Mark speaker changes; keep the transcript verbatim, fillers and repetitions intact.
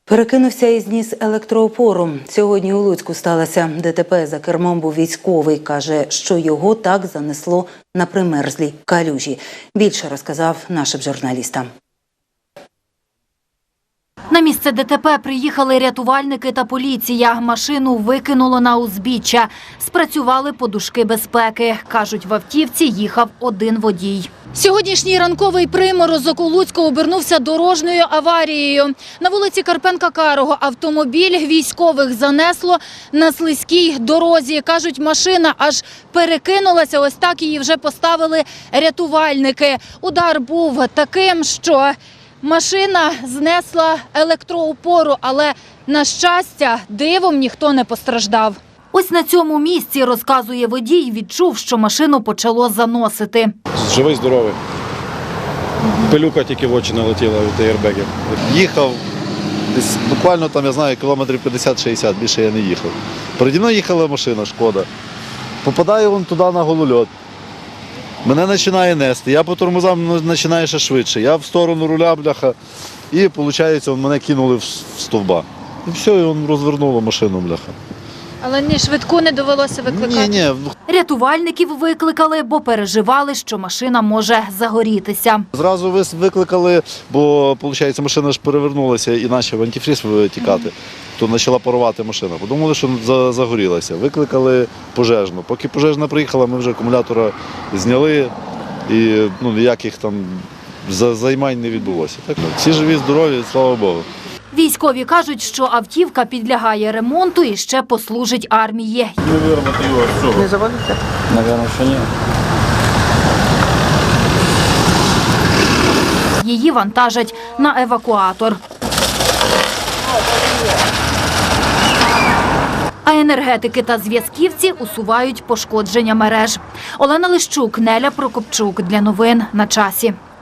Speaker 1: Перекинувся і зніс електроопору. Сьогодні у Луцьку сталося ДТП. За кермом був військовий. Каже, що його так занесло на примерзлій калюжі. Більше розказав нашим журналістам.
Speaker 2: На місце ДТП приїхали рятувальники та поліція. Машину викинуло на узбіччя. Спрацювали подушки безпеки. Кажуть, в автівці їхав один водій. Сьогоднішній ранковий приморозок у Луцьку обернувся дорожньою аварією. На вулиці Карпенка-Карого автомобіль військових занесло на слизькій дорозі. Кажуть, машина аж перекинулася, ось так її вже поставили рятувальники. Удар був таким, що машина знесла електроопору, але, на щастя, дивом ніхто не постраждав. Ось на цьому місці, розказує водій, відчув, що машину почало заносити.
Speaker 3: Живий, здоровий. Пилюка тільки в очі налетіла від аєрбегів.
Speaker 4: Їхав десь буквально, там, я знаю, кілометрів п'ятдесят-шістдесят, більше я не їхав. Переді мною їхала машина, шкода. Попадаю вон туди на голольот. Мене починає нести, я по тормозам починаю ще швидше. Я в сторону руля, бляха, і, виходить, мене кинули в стовба. І все, і він розвернуло машину, бляха.
Speaker 2: Але ні швидку не довелося викликати?
Speaker 4: Ні, ні.
Speaker 2: Рятувальників викликали, бо переживали, що машина може загорітися.
Speaker 4: Зразу викликали, бо, виходить, машина ж перевернулася і почав антифріз витікати. То почала парувати машина. Подумали, що загорілася. Викликали пожежну. Поки пожежна приїхала, ми вже акумулятора зняли і ну, ніяких там займань не відбулося. Так, всі живі, здорові, слава Богу.
Speaker 2: Військові кажуть, що автівка підлягає ремонту і ще послужить армії.
Speaker 5: Не заводиться?
Speaker 3: Навірно, що ні.
Speaker 2: Її вантажать на евакуатор. А енергетики та зв'язківці усувають пошкодження мереж. Олена Лищук, Неля Прокопчук. Для новин на часі.